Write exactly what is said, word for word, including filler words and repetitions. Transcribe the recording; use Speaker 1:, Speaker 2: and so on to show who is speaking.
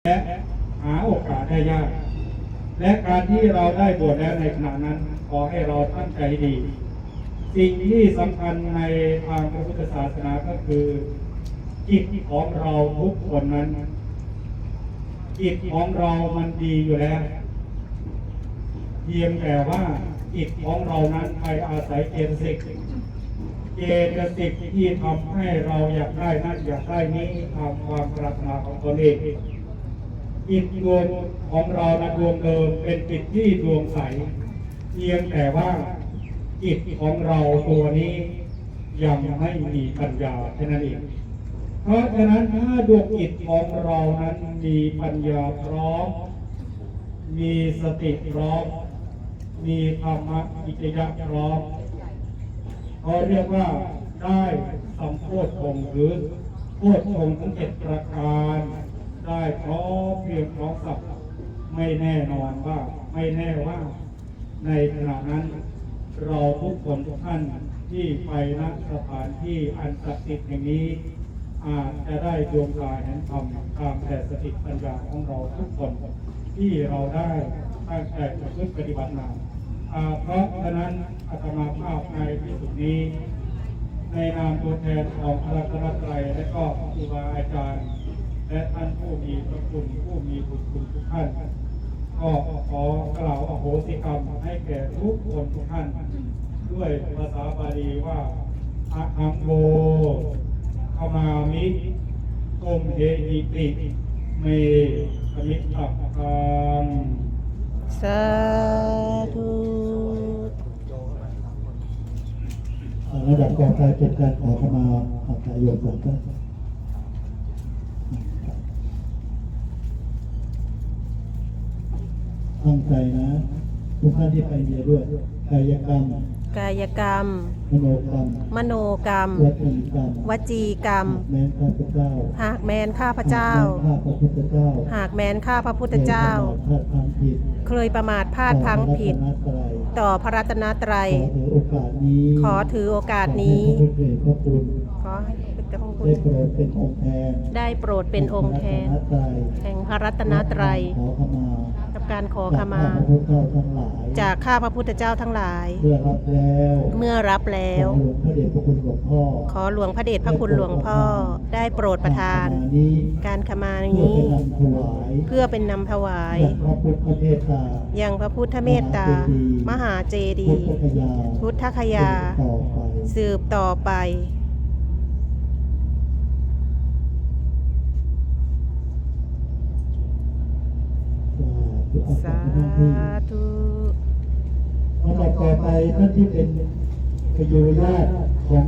Speaker 1: และหาโอกาสได้ยากและการที่เราได้บวชแล้วในขณะนั้นขอให้เราตั้งใจดี สิ่งที่สำคัญในทางพระพุทธศาสนาก็คือจิตของเราทุกคนนั้นจิตของเรามันดีอยู่แล้วเพียงแต่ว่าจิตของเรานั้นไปอาศัยเจตสิกเจตสิกที่ทำให้เราอยากได้นั่นอยากได้นี้ตามความปรารถนาของตนเองจิตดวงของเรานะดวงเดิมเป็นจิตที่ดวงใสเพียงแต่ว่าจิตของเราตัวนี้ยังไม่มีปัญญาแค่นั้นเองเพราะฉะนั้นถ้าดวงจิตของเรานั้นมีปัญญาพร้อมมีสติพร้อมมีธรรมะวิจยะพร้อมเขาเรียกว่าได้สัมโพธงหรือโพธงทั้งเจ็ดประการได้พร้อมเพียงพร้อมกับไม่แน่นอนว่าไม่แน่ว่าในขณะนั้นเราทุกคนทุกท่านที่ไปณสถานที่อันศักดิ์สิทธิ์อย่างนี้อาจจะได้ดวงตาเห็นธรรมตามแต่สติปัญญาของเราทุกคนที่เราได้ตั้งใจประพฤติปฏิบัติมาเพราะฉะนั้นอาตมาภาพในที่สุดนี้ในนามตัวแทนของพระรัตนตรัยและก็ครูบาอาจารย์และท่านผู้มีพระคุณผู้มีบุญคุณทุกท่านก็ขอกล่าวอโหสิกรรมให้แก่ทุกคนทุกท่านด้วยภาษาบาลีว่าอะหังโฆขมามิโกมเทหิติเมสมิตตะกัง
Speaker 2: สาธุ
Speaker 3: ระดับต่อไปเป็นการขอขมาอัตโยมสังฆตั้งใจนะทุกท่านที่ไปเรียนด้วยกายกรรม
Speaker 2: กายกรรม
Speaker 3: มโนกรรม
Speaker 2: มโนกรรม
Speaker 3: วจีกรรม
Speaker 2: วจีกรรม
Speaker 3: หากแม้นข้าพเจ้า
Speaker 2: หากแม้นข้าพเจ้า
Speaker 3: หากแม้นข้าพระพุทธเจ้า
Speaker 2: หากแม้นข้าพระพุทธเจ้าเคยประมาทพลาดพลั้งผิดต่อพระรัตนตรัยขอถือโอกาสนี้ขอให้พระพุทธ
Speaker 3: ได้โปรดเป็นองค์แทน
Speaker 2: ได้โปรดเป็นองค์แทนแห่งพระรัตนตรัยกับการขอขมาจากข้าพระพุทธเจ้าทั้งหลาย
Speaker 3: เมื่อรับแล้ว
Speaker 2: เมื่อรับแล้วขอหลวงพระเดชพระคุณหลวงพ่อได้โปรดประทานการขมานี้เพื่อเป็นนำถวายยังพระพุทธเมตตามหาเจดีย์พุทธคยาสืบต่อไปสาธุ
Speaker 3: ลำดับต่อไปท่านที่เป็นพยูญาติของ